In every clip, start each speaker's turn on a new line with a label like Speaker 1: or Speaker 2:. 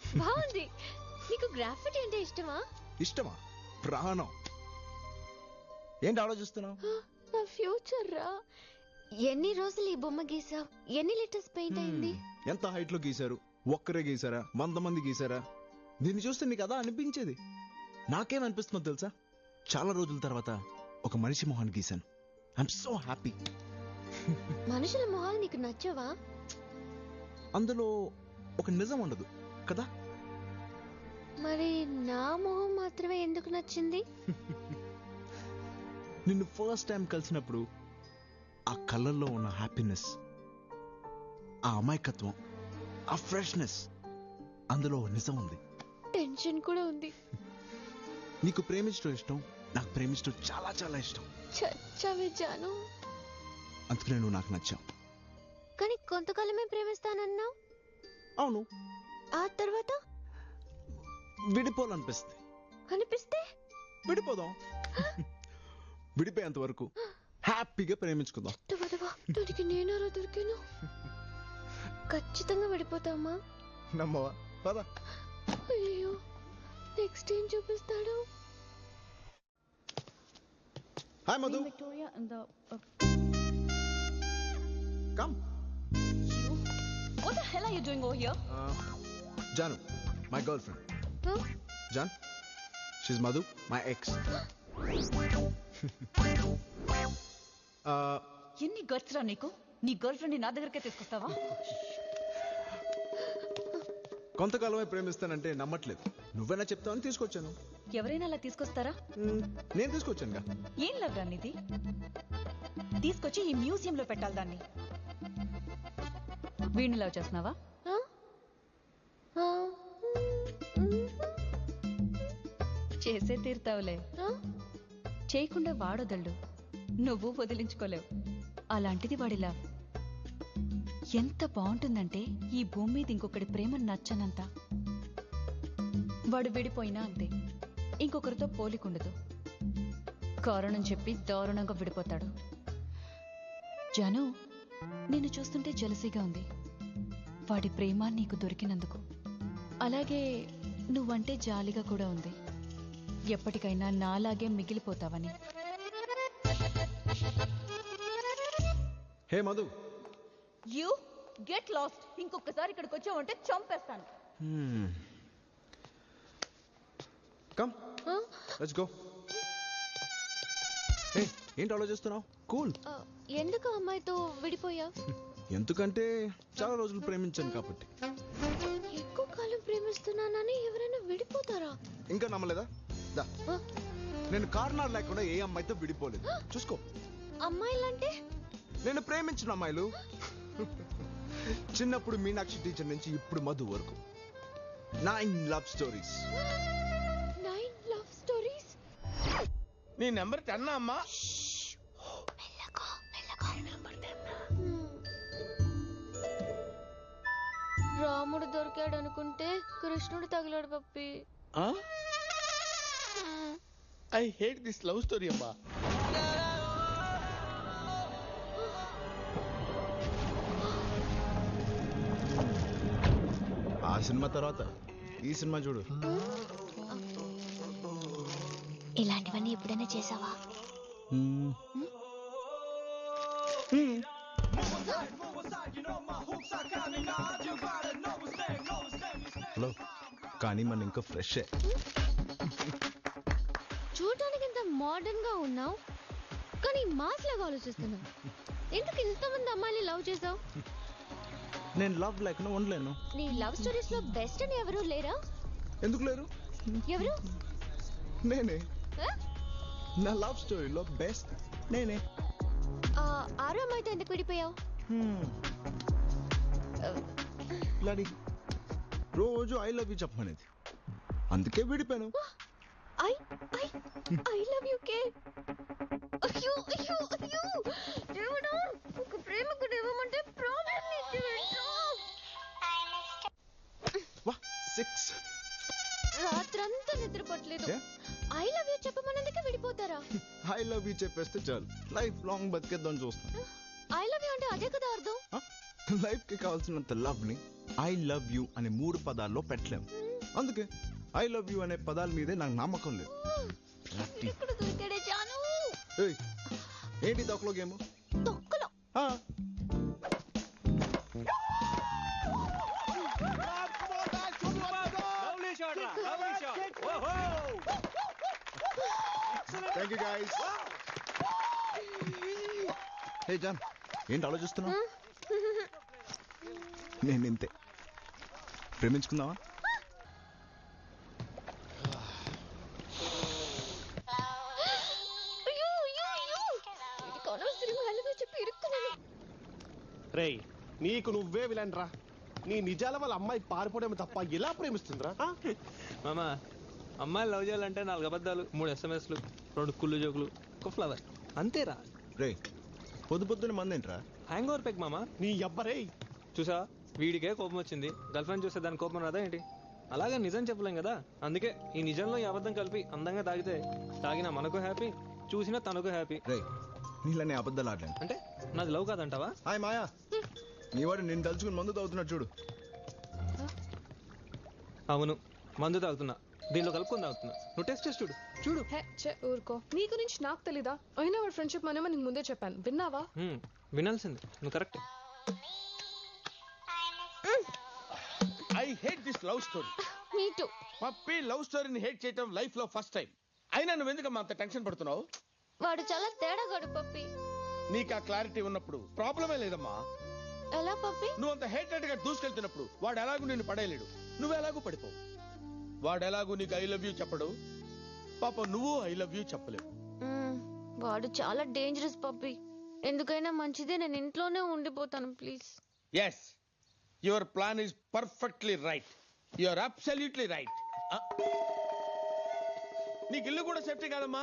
Speaker 1: బాగుంది. నీకు గ్రాఫిటీ అంటే ఇష్టమా?
Speaker 2: ఇష్టమా? ప్రాణం. ఏంటి ఆలోచిస్తున్నావు?
Speaker 1: నా ఫ్యూచర్ రా. ఎన్ని రోజులు ఈ బొమ్మ గీసావు? ఎన్ని లీటర్స్ పెయింట్ అయింది?
Speaker 2: ఎంత హైట్ లో గీశారు? ఒక్కరే గీసారా? 100 మంది గీసారా? దీన్ని చూస్తే నీకు అదా అనిపించేది. నాకేమనిపిస్తుందో తెలుసా? చాలా రోజుల తర్వాత ఒక మనిషి మొహాన్ని గీశాను. I'm so happy.
Speaker 1: మనుషుల మొహాలు నీకు నచ్చవా?
Speaker 2: అందులో ఒక నిజం ఉండదు కదా.
Speaker 1: మరి నా మొహం మాత్రమే ఎందుకు నచ్చింది?
Speaker 2: నిన్ను ఫస్ట్ టైం కలిసినప్పుడు ఆ కళ్ళల్లో ఉన్న హ్యాపీనెస్, ఆ అమాయకత్వం, ఆ ఫ్రెష్నెస్, అందులో నిజం ఉంది.
Speaker 1: టెన్షన్ కూడా ఉంది.
Speaker 2: నీకు ప్రేమించడం ఇష్టం, నాకు ప్రేమించడం చాలా చాలా ఇష్టం.
Speaker 1: చచ్చావే జాను.
Speaker 2: అందుకనే నువ్వు నాకు నచ్చావు.
Speaker 1: కానీ కొంతకాలమే ప్రేమిస్తానన్నావు.
Speaker 2: అవును.
Speaker 1: ఆ తర్వాత
Speaker 2: విడిపోవాలనిపిస్తుంది.
Speaker 1: అనిపిస్తే
Speaker 2: విడిపోదాం. విడిపోయేంత వరకు హ్యాపీగా ప్రేమించుకుందాం.
Speaker 1: దానికి నేనారా దొరికాను. ఖచ్చితంగా విడిపోతామా?
Speaker 2: నమ్మవా? పద.
Speaker 1: అయ్యో, నెక్స్ట్ ఏం చూపిస్తాడు?
Speaker 2: Hi Madhu.
Speaker 3: Victoria and the
Speaker 2: come.
Speaker 3: what the hell are you doing over here?
Speaker 2: Janu, my girlfriend.
Speaker 1: Huh?
Speaker 2: Jan, she's Madhu, my ex.
Speaker 3: ఎన్ని గట్స్ రా నీకు? నీ గర్ల్ ఫ్రెండ్ నా దగ్గరకే తీసుకొస్తావా?
Speaker 2: కొంతకాలమే ప్రేమిస్తానంటే నమ్మట్లేదు. నువ్వైనా చెప్తావని తీసుకొచ్చాను.
Speaker 3: ఎవరైనా అలా తీసుకొస్తారా?
Speaker 2: నేను తీసుకొచ్చానుగా.
Speaker 3: ఏం లవ్ రా నీది? తీసుకొచ్చి ఈ మ్యూజియం లో పెట్టాలి దాన్ని. వీణ్ణి లవ్ చేస్తున్నావా? చేసే తీరుతావులే. చేయకుండా వాడొదళ్ళు, నువ్వు వదిలించుకోలేవు. అలాంటిది వాడిలా ఎంత బాగుంటుందంటే ఈ భూమి మీద ఇంకొకటి ప్రేమ నచ్చనంత. వాడు విడిపోయినా అంతే, ఇంకొకరితో పోలికుండదు. కారణం చెప్పి దారుణంగా విడిపోతాడు. జాను, నిన్ను చూస్తుంటే జలసీగా ఉంది వాడి ప్రేమ నీకు దొరికినందుకు. అలాగే నువ్వంటే జాలిగా కూడా ఉంది, ఎప్పటికైనా నాలాగే మిగిలిపోతావని.
Speaker 2: Hey Madhu.
Speaker 3: You get lost. ఇంకొకసారి ఇక్కడికి వచ్చావంటే చంపేస్తాను.
Speaker 2: Come, let's go. హే, ఏంటి ఆలోచిస్తున్నావు? కూల్.
Speaker 1: ఎందుకు అమ్మాయితో విడిపోయా?
Speaker 2: ఎందుకంటే చాలా రోజులు ప్రేమించాను కాబట్టి.
Speaker 1: ఎక్కువ కాలం ప్రేమిస్తున్నానని ఎవరైనా విడిపోతారా?
Speaker 2: ఇంకా నమ్మలేదా? దా, నేను కారణాలు లేకుండా ఏ అమ్మాయితో విడిపోలేదు. చూసుకో.
Speaker 1: అమ్మాయిలంటే?
Speaker 2: నేను ప్రేమించిన అమ్మాయిలు. చిన్నప్పుడు మీనాక్షి టీచర్ నుంచి ఇప్పుడు మధు వరకు 9 లవ్ స్టోరీస్.
Speaker 1: 9 love stories?
Speaker 4: నీ నెంబర్ 10 అమ్మా?
Speaker 1: రాముడు దొరికాడు అనుకుంటే కృష్ణుడు తగిలాడు Pappi.
Speaker 4: I hate this love story అమ్మా.
Speaker 2: ఆ సినిమా తర్వాత ఈ సినిమా చూడు.
Speaker 1: ఇలాంటివన్నీ ఎప్పుడైనా చేసావా?
Speaker 2: హలో, కానీ మన ఇంకా ఫ్రెష్.
Speaker 1: చూడటానికి ఇంత మోడర్న్ గా ఉన్నావు, కానీ మాస్ లాగా ఆలోచిస్తున్నావు. ఎందుకు ఇంతమంది అమ్మాయిని లవ్ చేసావు?
Speaker 2: నేను లవ్ లేకుండా ఉండలేను.
Speaker 1: నీ లవ్ స్టోరీస్ లో బెస్ట్ అని ఎవరు లేరా?
Speaker 2: ఎందుకు లేరు?
Speaker 1: ఎవరు?
Speaker 2: నేనే. నా లవ్ స్టోరీలో బెస్ట్ నేనే.
Speaker 1: ఆరో అమ్మాయితో ఎందుకు విడిపోయావు?
Speaker 2: లాడి రోజు ఐ లవ్ యూ చెప్పమనేది, అందుకే విడిపోయాను.
Speaker 1: ఐ లవ్ యూ కే. అయ్యో అయ్యో అయ్యో దేవుడా, ఒక ప్రేమకుడు ఇవ్వమంటే ప్రాబ్లం నీకు.
Speaker 2: వా 6
Speaker 1: రాత్రంతా నిద్రపోట్లేదు. ఐ లవ్ యూ చెప్పమన్నందుకే విడిపోతారా?
Speaker 2: ఐ లవ్ యూ చెప్పేస్తే చాలు, లైఫ్ లాంగ్ బతికేద్దాం చూస్తాను.
Speaker 1: ఐ లవ్ యూ అంటే అదే కదా అర్థం.
Speaker 2: లైఫ్ కి కావాల్సినంత లవ్ ని ఐ లవ్ యూ అనే 3 పదాల్లో పెట్టలేం. అందుకే ఐ లవ్ యూ అనే పదాల మీదే నాకు నమ్మకం లేదు.
Speaker 1: ఇక్కడ దొరికాడే జాను.
Speaker 2: ఏయ్, ఏంటి తొక్కలో గేమ్?
Speaker 1: తొక్కలో
Speaker 2: thank you guys. Hey Jaan, ఏంటి ఆలోచిస్తున్నావు? నేను ఇంతే. ప్రేమించుకుందామా?
Speaker 5: రేయ్, నీకు నువ్వే విలన్రా. నీ నిజాల వాళ్ళ అమ్మాయి పారిపోవడం తప్ప ఎలా ప్రేమిస్తుందిరా?
Speaker 6: మామా, అమ్మాయిలు లవ్ చేయాలంటే 4 అబద్ధాలు, 3 SMSలు, 2 కుళ్ళు జోకులు, ఒక ఫ్లవర్, అంతేరా.
Speaker 2: రే, పొద్దున్న మందేంట్రా?
Speaker 6: హ్యాంగ్ ఓవర్ పెక్ మామా.
Speaker 5: నీ అబ్బరే.
Speaker 6: చూసా, వీడికే కోపం వచ్చింది, గర్ల్ ఫ్రెండ్ చూస్తే దాని కోపం రాదా ఏంటి? అలాగే నిజం చెప్పలేం కదా, అందుకే ఈ నిజంలో ఈ అబద్ధం కలిపి అందంగా తాగితే తాగినా మనకు హ్యాపీ, చూసినా తనకు హ్యాపీ.
Speaker 2: రే, నీళ్ళని అబద్ధాలు ఆడలేను.
Speaker 6: అంటే నాది లవ్ కాదంటావా?
Speaker 2: హాయ్ మాయా, నీ వాడు నేను తలుచుకుని మందు తాగుతున్నాడు చూడు.
Speaker 6: అవును, మందు తాగుతున్నా, దీనిలో కలుపుకొని తాగుతున్నా. నువ్వు టెస్ట్ చేసి చూడు. చూడు.
Speaker 7: ఊరుకో, నీ గురించి నాకు తెలీదా? అయినా వాడు ఫ్రెండ్షిప్ మనమే నీకు ముందే చెప్పాను, విన్నావా?
Speaker 6: వినాల్సింది, నువ్వు correct.
Speaker 4: I hate this love story.
Speaker 1: Me too.
Speaker 4: Pappi love స్టోరీని హేట్ చేయటం లైఫ్ లో ఫస్ట్ టైం. అయినా నువ్వు ఎందుకమ్మా అంత టెన్షన్ పడుతున్నావు?
Speaker 1: వాడు చాలా తేడాగాడు పప్పి.
Speaker 4: నీకు ఆ క్లారిటీ ఉన్నప్పుడు ప్రాబ్లమే లేదమ్మా.
Speaker 1: ఎలా పప్పి?
Speaker 4: నువ్వు అంత హేటెడ్ గా దూసుకెళ్తున్నప్పుడు వాడు ఎలాగూ నిన్ను పడేయలేడు, నువ్వు ఎలాగూ పడిపోవు. వాడు ఎలాగూ నీకు ఐ లవ్ యూ చెప్పడు, పాప నువ్వు ఐ లవ్ యూ చెప్పలేవు.
Speaker 1: వాడు చాలా డేంజరస్ పప్పి. ఎందుకైనా మంచిదే, నేను ఇంట్లోనే ఉండిపోతాను please.
Speaker 4: Yes, your plan is perfectly right. Your absolutely right. నీకు ఇల్లు కూడా సేఫ్టీ కాదమ్మా.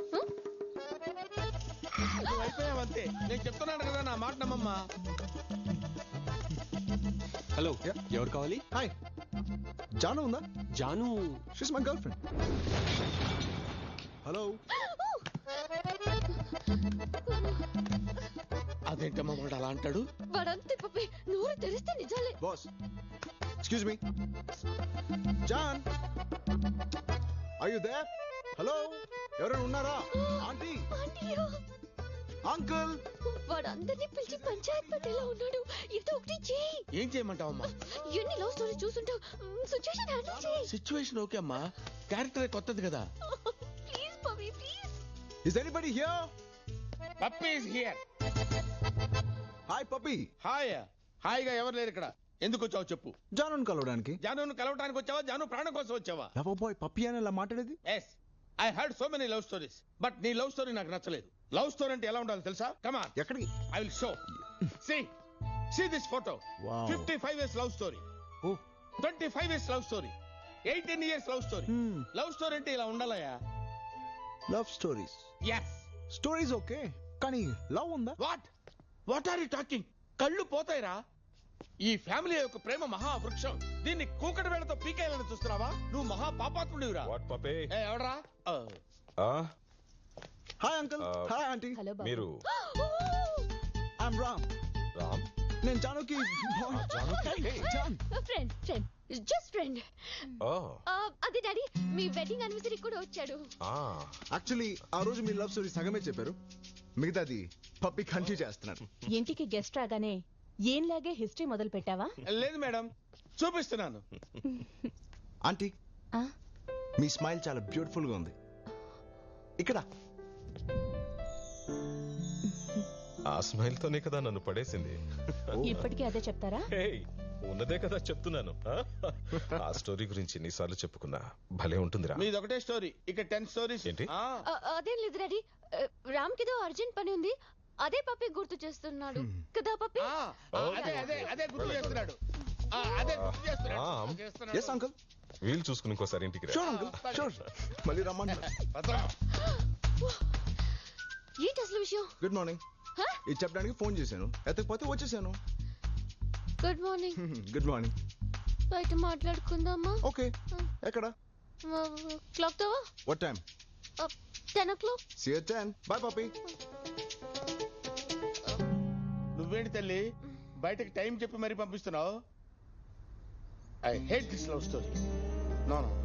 Speaker 4: నువ్వు అయిపోయావంతే. నేను చెప్తున్నాను కదా, నా మాట నమ్మమ్మా.
Speaker 5: హలో, ఎవరు కావాలి?
Speaker 2: హాయ్, జాను ఉందా?
Speaker 5: Jaanu
Speaker 2: she's my girlfriend. Hello.
Speaker 4: అదేంటమ్మా వాడు అలా అంటాడు?
Speaker 1: వాడంతే పప్పి, నోరు తెరిస్తే నిజాలే.
Speaker 2: Boss, excuse me. Jaan, are you there? Hello, ఎవరైనా ఉన్నారా? ఆంటీ,
Speaker 1: ఆంటీయో,
Speaker 2: అంకుల్.
Speaker 1: వాడు అందరినీ పిలిచి పంచాయత్ పెట్టేలా ఉన్నాడు. ఏదో ఒకటి చేయి.
Speaker 4: ఏం చేయమంటావమ్మా?
Speaker 1: ఎన్ని లవ్ స్టోరీ చూసుంటావు, సిచ్యుయేషన్ హ్యాండిల్ చేయి.
Speaker 4: సిచ్యువేషన్ ఓకే అమ్మా, క్యారెక్టర్ కొత్తది కదా.
Speaker 1: Please Pappi, please.
Speaker 2: Is anybody here?
Speaker 4: Pappi is here.
Speaker 2: Hi Pappi.
Speaker 4: Hi. హాయిగా ఎవరు లేరు ఇక్కడ. ఎందుకు వచ్చావు చెప్పు.
Speaker 2: జానుని కలవడానికి.
Speaker 4: జానును కలవడానికి వచ్చావా, జాను ప్రాణం కోసం వచ్చావా?
Speaker 2: లవ్ బాయ్ పప్పి అని ఇలా మాట్లాడేది?
Speaker 4: Yes, I heard so many love stories, but నీ లవ్ స్టోరీ నాకు నచ్చలేదు. లవ్ స్టోరీ అంటే ఎలా ఉండాలి తెలుసా? Come on.
Speaker 2: ఎక్కడికి?
Speaker 4: I will show. See this photo.
Speaker 2: Wow.
Speaker 4: 55 years love story.
Speaker 2: Oh.
Speaker 4: 25 years love story. 18 years love story. Love story అంటే ఇలా ఉండాలయా?
Speaker 2: Love stories.
Speaker 4: Yes.
Speaker 2: Stories okay, కానీ లవ్ ఉందా?
Speaker 4: What are you talking? కళ్ళు పోతాయిరా. ఈ family యొక్క ప్రేమ మహావృక్షం. దీన్ని కూకటి వేళతో పీకేయాలని చూస్తున్నావా? నువ్వు మహా పాపాత్ముడివిరా.
Speaker 8: వాట్ పపే?
Speaker 4: ఎవడరా?
Speaker 2: Hi uncle. Hi aunty.
Speaker 3: Hello బాబు.
Speaker 8: మీరు
Speaker 2: ఐఎమ్ రామ్.
Speaker 8: రామ్?
Speaker 2: నేను జానుకి. జాన్.
Speaker 1: Friend, just friend.
Speaker 8: ఓ,
Speaker 1: అదే డాడీ, మీ వెడ్డింగ్ యానివర్సరీ కూడా వచ్చాడు.
Speaker 2: యాక్చువల్లీ ఆ రోజు మీ లవ్ స్టోరీ సగమే చెప్పారు, మిగతాది పప్పి కంటిన్యూ చేస్తున్నారు.
Speaker 3: ఇంటికి గెస్ట్ రాగానే ఏంలాగే హిస్టరీ మొదలు పెట్టావా?
Speaker 4: లేదు మేడం, చూపిస్తున్నాను.
Speaker 2: ఆంటీ, మీ స్మైల్ చాలా బ్యూటిఫుల్ గా ఉంది. ఇక్కడ
Speaker 8: ఆ స్మైల్ తోనే కదా నన్ను పడేసింది.
Speaker 3: ఇప్పటికీ అదే చెప్తారా?
Speaker 8: హేయ్, ఉన్నదే కదా చెప్తున్నాను. ఆ స్టోరీ గురించి ఎన్నిసార్లు చెప్పుకున్నా భలే ఉంటుందిరా.
Speaker 4: మీది ఒకటే స్టోరీ, ఇక్కడ 10 స్టోరీస్.
Speaker 8: ఏంటి?
Speaker 1: అదేం లేదు డాడీ, రామ్ కిదో అర్జెంట్ పని ఉంది, అదే పప్పి గుర్తు చేస్తున్నాడు కదా పప్పి.
Speaker 4: అదే గుర్తు చేస్తున్నాడు. అదే గుర్తు
Speaker 8: రామ్.
Speaker 4: చేస్తున్నాడు.
Speaker 2: Yes uncle.
Speaker 8: వీలు చూసుకుని ఇంకోసారి ఇంటికి రా.
Speaker 2: Sure uncle, sure. మళ్ళీ రమ్మంటారు.
Speaker 1: ఏంటి అసలు విషయం?
Speaker 2: Good morning. ఇది చెప్పడానికి ఫోన్ చేశాను, ఎత్తకపోతే వచ్చేసాను.
Speaker 1: Good morning.
Speaker 2: Good morning.
Speaker 1: బయట మాట్లాడుకుందామా?
Speaker 2: ఓకే, ఎక్కడ?
Speaker 1: క్లాక్ తోవా?
Speaker 2: What time?
Speaker 1: 10 o'clock.
Speaker 2: See you at 10. Bye Pappi.
Speaker 4: నువ్వేంటి తల్లి బయటకి టైం చెప్పి మరీ పంపిస్తున్నావు? I hate this love story. No no